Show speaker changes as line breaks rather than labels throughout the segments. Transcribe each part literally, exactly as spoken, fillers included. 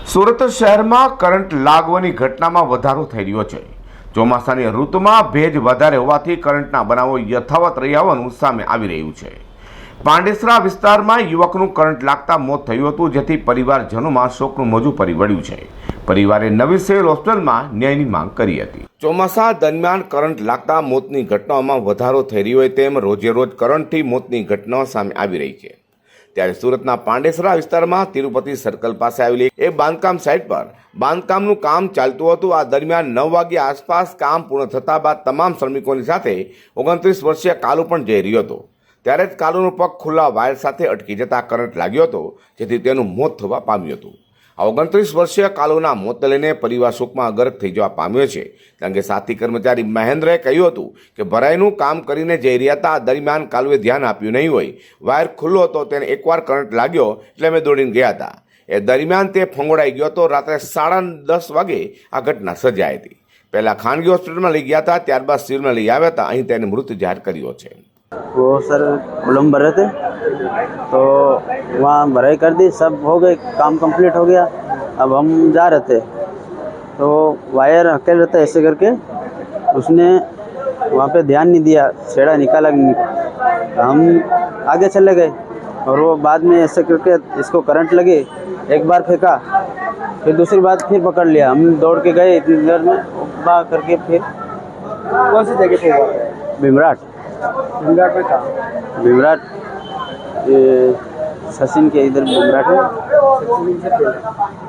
સુરત શહેરમાં કરંટ લાગવાની ઘટનામાં વધારો થઈ રહ્યો છે। ચોમાસાની ઋતુમાં ભેજ વધારે હોવાથી કરંટના બનાવો યથાવત રહ્યા હોવાનું સામે આવી રહ્યું છે। પાંડેસરા વિસ્તારમાં યુવકનું કરંટ લાગતા મોત થયું હતું, જેથી પરિવારજનોમાં શોકનું મોજું ફરી વળ્યું છે। પરિવારે નવી સિવિલ હોસ્પિટલમાં ન્યાયની માંગ કરી હતી। ચોમાસા દરમિયાન કરંટ લાગતા મોતની ઘટનાઓમાં વધારો થઈ રહ્યો હોય તેમ રોજે રોજ કરંટથી મોતની ઘટનાઓ સામે આવી રહી છે। ત્યારે સુરતના પાંડેસરા વિસ્તારમાં તિરુપતિ સર્કલ પાસે આવેલી એક બાંધકામ સાઇટ પર બાંધકામનું કામ ચાલતું હતું। આ દરમિયાન નવ વાગ્યા આસપાસ કામ પૂર્ણ થતા બાદ તમામ શ્રમિકોની સાથે ઓગણત્રીસ વર્ષીય કાલુ પણ જઈ રહ્યો હતો। ત્યારે જ કાલુનો પગ ખુલ્લા વાયર સાથે અટકી જતા કરંટ લાગ્યો હતો, જેથી તેનું મોત થવા પામ્યું હતું। આ ઓગણત્રીસ વર્ષીય કાલુના મોતને લઈને પરિવાર શોકમાં ગરક થઈ જવા પામ્યો છે। કારણ કે સાથી કર્મચારી મહેન્દ્રએ કહ્યું હતું કે ભરાઈનું કામ કરીને જઈ રહ્યા હતા। દરમિયાન કાલુએ ધ્યાન આપ્યું નહીં હોય, વાયર ખુલ્લો હતો, તેને એકવાર કરંટ લાગ્યો એટલે અમે દોડીને ગયા હતા। એ દરમિયાન તે ફંગોળાઈ ગયો હતો। રાત્રે સાડા દસ વાગે આ ઘટના સર્જાઈ હતી। પહેલાં ખાનગી હોસ્પિટલમાં લઈ ગયા હતા, ત્યારબાદ સિવિલમાં લઈ આવ્યા હતા। અહીં તેને મૃત જાહેર કર્યો છે।
वो सर कोलम भरे थे तो वहाँ भराई कर दी, सब हो गए, काम कंप्लीट हो गया। अब हम जा रहे थे तो वायर हकेल रहता ऐसे करके उसने वहाँ पे ध्यान नहीं दिया, छेड़ा निकाला नहीं। हम आगे चले गए और वो बाद में ऐसे करके इसको करंट लगे, एक बार फेंका, फिर दूसरी बार फिर पकड़ लिया। हम दौड़ के गए इतनी देर में बा करके फिर
कौन सी जगह पे हुआ?
भीमराट
भीमराट में कहाँ?
भीमराट ये सचिन के इधर भीमराट है।
सचिन से पहले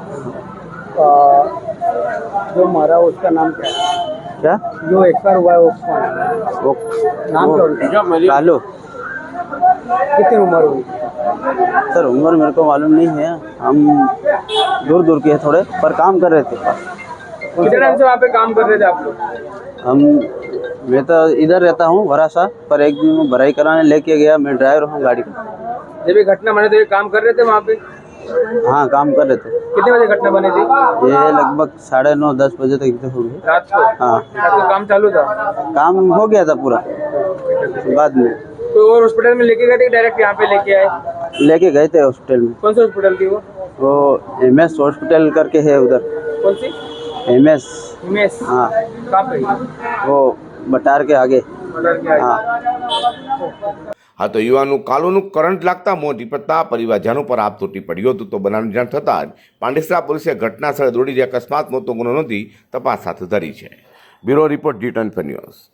आ, जो मारा उसका नाम क्या है?
क्या
जो एक्सपायर हुआ है वो कौन है?
वो
नाम
वो,
क्या उनका?
कालू।
कितनी उम्र हुई?
सर उम्र मेरे को मालूम नहीं है, हम दूर दूर के हैं थोड़े, पर काम कर रहे थे।
कितने टाइम से वहाँ पे काम कर रहे थे आप लोग?
हम मैं तो इधर रहता हूँ वरासा, पर एक दिन मैं भराई कराने लेके गया, मैं ड्राइवर हूँ गाड़ी का।
जब ये घटना बनी तो ये काम कर रहे थे वहाँ पे?
हाँ काम कर रहे थे।
कितने बजे घटना बनी थी?
ये लगभग साढ़े नौ दस बजे तक हो गए।
रात को?
हाँ
रात को काम चालू था?
काम हो गया था पूरा। बाद में
तो और हॉस्पिटल में लेके गए थे डायरेक्ट यहाँ पे लेके आए?
लेके गए थे हॉस्पिटल में।
कौन सी हॉस्पिटल थी वो?
वो एम एस हॉस्पिटल करके है उधर।
कौन सी?
M S.
हिमेश?
हाँ
कहाँ पे?
वो बटार के आगे।
ऑर्डर किया है?
हाँ
હા તો યુવાનું કાલુનું કરંટ લાગતા મોત નીપજતા પરિવારજનો પર આપ તૂટી પડ્યો હતું। તો બનાવની જાણ થતાં જ પાંડેસરા પોલીસે ઘટના સ્થળે દોડી જઈ અકસ્માત મોતનો ગુનો નોંધી તપાસ હાથ ધરી છે। Bureau report G twenty news.